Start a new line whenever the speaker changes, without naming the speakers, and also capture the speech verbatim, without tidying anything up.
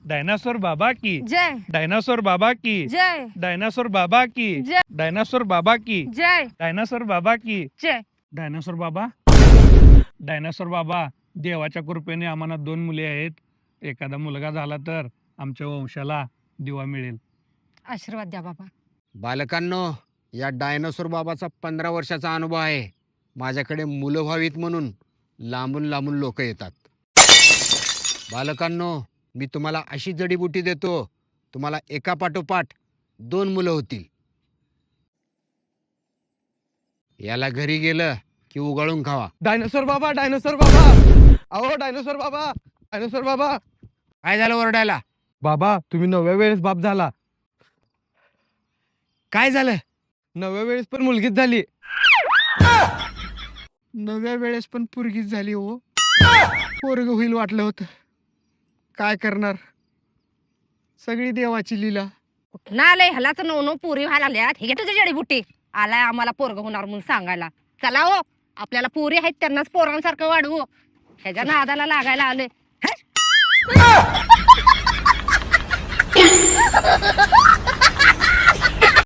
Dinosaur बाबा की
जय
dinosaur बाबा की
जय
डायनासोर बाबा की
जय
डायनासोर बाबा की
जय
डायनासोर बाबा की
जय
डायनासोर बाबा डायनासोर बाबा देवाच्या कृपेने आम्हाला दोन मुले आहेत. एखादा मुलगा झाला तर आमच्या वंशाला दिवा मिळेल.
आशीर्वाद द्या बाबा.
बालकांनो, या डायनासोर बाबाचा पंधरा वर्षाचा अनुभव आहे. माझ्याकडे मुलं व्हावीत म्हणून लांबून लांबून लोक येतात. बालकांनो, मी तुम्हाला अशी जडीबुटी देतो, तुम्हाला एका पाठोपाठ दोन मुलं होतील. याला घरी गेलं की उगाळून खावा.
डायनोसॉर बाबा डायनोसॉर बाबा अहो डायनोसॉर बाबा डायनोसॉर बाबा.
काय झालं ओरडायला?
बाबा तुम्ही नवव्या वेळेस बाप झाला.
काय झालं?
नवव्या वेळेस पण मुलगीच झाली.
नव्या वेळेस पण पुरगीच झाली हो. पोरग होईल वाटलं होतं. काय करणार, सगळी देवाची लीला.
कुठं आलंय ह्यालाच नो नो पुरी व्हायला लागल्यात. हे घे तुझी जडीबुटी. आलाय आम्हाला पोरग होणार म्हणून सांगायला. चला हो, आपल्याला पुरी आहेत त्यांनाच पोरांसारखं वाढवू. ह्याच्या नादाला लागायला आले.